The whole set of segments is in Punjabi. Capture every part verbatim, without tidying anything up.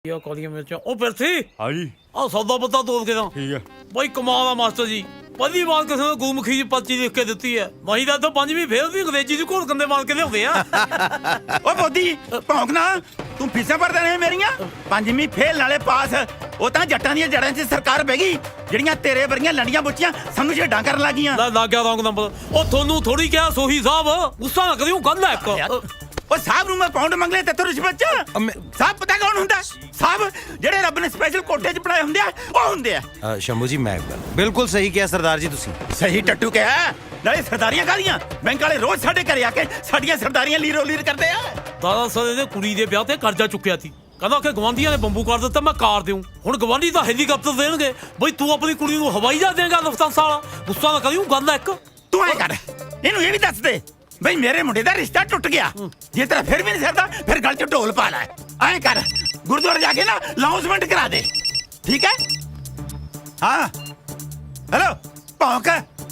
ਕਾਲੀਆਂ ਮਿਰਚਾਂ ਉਹ ਪਿਰਥੀ ਹਾਂਜੀ ਆਹ ਸੌਦਾ ਪੱਤਾ ਤੋਲ ਕੇ ਤਾਂ ਠੀਕ ਹੈ ਬਈ ਕਮਾਲ ਆ ਮਾਸਟਰ ਜੀ। ਪਹਿਲੀ ਵਾਰ ਕਿਸੇ ਨੇ ਗੁਰਮੁਖੀ ਜੀ ਪਰਚੀ ਲਿਖ ਕੇ ਦਿੱਤੀ ਹੈ। ਮਹੀਂ ਦਾ ਤਾਂ ਪੰਜਵੀਂ ਫੇਰ ਵੀ ਅੰਗਰੇਜ਼ੀ ਚ ਘੋਲ ਕੰਦੇ ਮਾਰ ਕੇ ਲਿਆਉਂਦੇ ਆ। ਓ ਬੋਦੀ ਭੌਂਕ ਨਾ ਤੂੰ ਫੀਸਾਂ ਭਰਦਾ ਨੇ ਮੇਰੀਆਂ ਪੰਜਵੀਂ ਫੇਲ ਨਾਲੇ ਪਾਸ। ਉਹ ਤਾਂ ਜੱਟਾਂ ਦੀਆਂ ਜੜਾਂ 'ਚ ਸਰਕਾਰ ਬਹਿ ਗਈ ਜਿਹੜੀਆਂ ਤੇਰੇ ਵਰਗੀਆਂ ਲੰਡੀਆਂ ਬੁੱਚੀਆਂ ਸਾਨੂੰ ਛੇਡਾਂ ਕਰਨ ਲੱਗੀਆਂ। ਲੈ ਲੱਗ ਗਿਆ ਰੌਂਗ ਨੰਬਰ। ਉਹ ਤੁਹਾਨੂੰ ਥੋੜੀ ਕਿਹਾ ਸੋਹੀ ਸਾਹਿਬ ਗੁੱਸਾ ਨਾ ਕਰਿਓ ਗੱਲ ਹੈ ਇੱਕ। ਉਹ ਸਾਹਿਬ ਨੂੰ ਮੈਂ ਪਾਉਂਡ ਮੰਗ ਲਿਆ ਤੇ ਰਿਸ਼ਵਤ ਚ ਸਾਹਿਬ ਪਤਾ ਕੌਣ ਹੁੰਦਾ? ਸਾਹਿਬ ਜਿਹੜੇ ਰੱਬ ਨੇ ਸਪੈਸ਼ਲ ਕੋਟੇ 'ਚ ਬਣਾਏ ਹੁੰਦੇ ਆ ਉਹ ਹੁੰਦੇ ਆ। ਸ਼ੰਭੂ ਜੀ ਮੈਂ ਗੱਲ ਬਿਲਕੁਲ ਸਹੀ ਕਿਹਾ ਸਰਦਾਰ ਜੀ ਤੁਸੀਂ। ਸਹੀ ਟੱਟੂ ਕਿਹਾ ਨਾਲੇ ਸਰਦਾਰੀਆਂ ਕਾਹਦੀਆਂ ਬੈਂਕ ਵਾਲੇ ਰੋਜ਼ ਸਾਡੇ ਘਰੇ ਆ ਕੇ ਸਾਡੀਆਂ ਸਰਦਾਰੀਆਂ ਲੀਰੋ ਲੀਰ ਕਰਦੇ ਆ। ਦਾਦਾ ਸਰ ਦੇ ਕੁੜੀ ਦੇ ਵਿਆਹ ਤੇ ਕਰਜ਼ਾ ਚੁੱਕਿਆ ਸੀ। ਕਹਿੰਦਾ ਕਿ ਗਵਾਂਢੀਆਂ ਨੇ ਬੰਬੂ ਕਰ ਦਿੱਤਾ ਮੈਂ ਕਾਰ ਦਿਉ। ਹੁਣ ਗਵਾਂਢੀ ਤਾਂ ਹੈਲੀਕਾਪਟਰ ਦੇਣਗੇ ਬਈ ਤੂੰ ਆਪਣੀ ਕੁੜੀ ਨੂੰ ਹਵਾਈ ਜਹਾਜ਼ ਦੇਗਾ ਲਫਤਾਂਸਾ ਵਾਲਾ। ਗੁੱਸਾ ਨਾ ਕਰਿਓ ਗੱਲ ਹੈ ਇੱਕ। ਤੂੰ ਐ ਕਰ ਇਹਨੂੰ ਇਹ ਵੀ ਦੱਸ ਦੇ ਬਈ ਮੇਰੇ ਮੁੰਡੇ ਦਾ ਰਿਸ਼ਤਾ ਟੁੱਟ ਗਿਆ। ਜੇ ਤੇਰਾ ਫਿਰ ਵੀ ਨਹੀਂ ਸਰਦਾ ਫਿਰ ਗਲ 'ਚ ਢੋਲ ਪਾ ਲੈ। ਐ ਕਰ ਗੁਰਦੁਆਰੇ ਜਾ ਕੇ ਨਾ ਅਨਾਉਂਸਮੈਂਟ ਕਰਾ ਦੇ ਠੀਕ ਹੈ। ਹਾਂ ਹੈਲੋ ਭੌਂਕ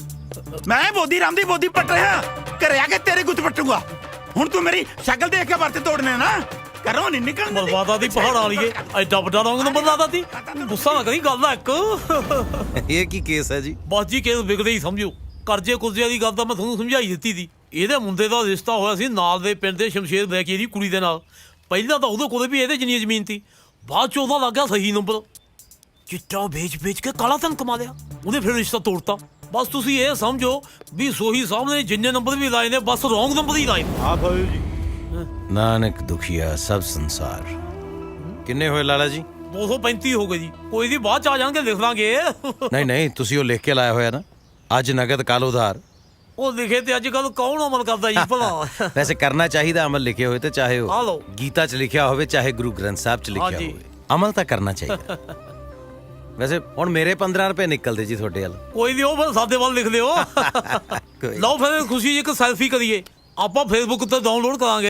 ਮੈਂ ਬੋਦੀ ਰਾਮ ਦੀ ਬੋਦੀ ਪੱਟ ਰਿਹਾ ਘਰੇ ਆ ਕੇ ਤੇਰੇ ਗੁੱਤ ਪੱਟੂਗਾ। ਹੁਣ ਤੂੰ ਮੇਰੀ ਸ਼ਕਲ ਦੇਖ ਕੇ ਵਰਤ ਤੋੜਨੇ ਨਾ ਘਰੋਂ ਨਹੀਂ ਨਿਕਲਣ ਦਿੰਦੇ। ਬਰਬਾਦਾ ਦੀ ਪਹਾੜਾਂ ਵਾਲੀਏ ਐਡਾ ਵੱਡਾ ਰੌਂਗ ਨੰਬਰ ਲਾਦਾ ਤੀ। ਗੁੱਸਾ ਨਾ ਕਰੀ ਗੱਲ ਹੈ ਇੱਕ। ਇਹ ਕੀ ਕੇਸ ਹੈ ਜੀ? ਬਸ ਜੀ ਕੇਸ ਵਿਗੜੇ ਹੀ ਸਮਝੋ। ਕਰਜ਼ੇ ਕੁਰਜ਼ੇ ਦੀ ਗੱਲ ਤਾਂ ਮੈਂ ਤੁਹਾਨੂੰ ਸਮਝਾਈ ਦਿੱਤੀ ਸੀ। ਇਹਦੇ ਮੁੰਡੇ ਦਾ ਰਿਸ਼ਤਾ ਹੋਇਆ ਸੀ ਨਾਲ ਦੇ ਪਿੰਡ ਦੇ ਸ਼ਮਸ਼ੇਰ ਬੈਕੀ ਦੀ ਕੁੜੀ ਦੇ ਨਾਲ। ਪਹਿਲਾਂ ਤਾਂ ਉਹਦੇ ਕੋਲੇ ਵੀ ਇਹਦੇ ਜਿੰਨੀ ਜ਼ਮੀਨ ਸੀ। ਬਾਅਦ ਚ ਉਹਦਾ ਲੱਗ ਗਿਆ ਸਹੀ ਨੰਬਰ। ਚਿੱਟਾ ਵੇਚ ਵੇਚ ਕੇ ਕਾਲਾ ਧਨ ਕਮਾ ਲਿਆ। ਉਹਨੇ ਫਿਰ ਰਿਸ਼ਤਾ ਤੋੜਤਾ। ਬਸ ਤੁਸੀਂ ਇਹ ਸਮਝੋ ਵੀ ਸੋਹੀ ਸਾਹਿਬ ਨੇ ਜਿੰਨੇ ਨੰਬਰ ਵੀ ਲਾਏ ਨੇ ਬਸ ਰੌਂਗ ਨੰਬਰ ਹੀ ਲਾਏ ਨੇ। ਆ ਭਾਈ ਜੀ ਨਾਨਕ ਦੁਖੀਆ ਸਭ ਸੰਸਾਰ। ਕਿੰਨੇ ਹੋਏ ਲਾਲਾ ਜੀ? ਦੋ ਸੌ ਪੈਂਤੀ ਹੋ ਗਏ ਜੀ। ਕੋਈ ਦੀ ਬਾਅਦ ਚ ਆ ਜਾਣਗੇ ਲਿਖ ਲਾਂਗੇ। ਨਹੀਂ ਨਹੀਂ ਤੁਸੀਂ ਉਹ ਲਿਖ ਕੇ ਲਾਇਆ ਹੋਇਆ ਨਾ ਅੱਜ ਨਗਦ ਕੱਲ ਉਧਾਰ। ਉਹ ਲਿਖੇ ਤੇ ਅੱਜ ਕੱਲ ਕੌਣ ਅਮਲ ਕਰਦਾ ਜੀ ਭਲਾ। ਵੈਸੇ ਕਰਨਾ ਚਾਹੀਦਾ ਅਮਲ ਲਿਖੇ ਹੋਏ ਤੇ ਚਾਹੇ ਆ ਉਹ ਲਓ। ਗੀਤਾ 'ਚ ਲਿਖਿਆ ਹੋਵੇ ਚਾਹੇ ਗੁਰੂ ਗ੍ਰੰਥ ਸਾਹਿਬ 'ਚ ਲਿਖਿਆ ਹਾਂਜੀ। ਹੋਵੇ ਅਮਲ ਤਾਂ ਕਰਨਾ ਚਾਹੀਦਾ। ਵੈਸੇ ਹੁਣ ਮੇਰੇ ਪੰਦਰਾਂ ਰੁਪਏ ਨਿਕਲਦੇ ਜੀ ਤੁਹਾਡੇ ਵੱਲ। ਕੋਈ ਨਹੀਂ ਉਹ ਫਿਰ ਸਾਡੇ ਵੱਲ ਲਿਖ ਲਿਓ। ਕੋਈ ਲਓ ਫਿਰ ਖੁਸ਼ੀ ਇੱਕ ਸੈਲਫੀ ਕਰੀਏ ਆਪਾਂ ਫੇਸਬੁੱਕ ਤੇ ਡਾਊਨਲੋਡ ਕਰਾਂਗੇ।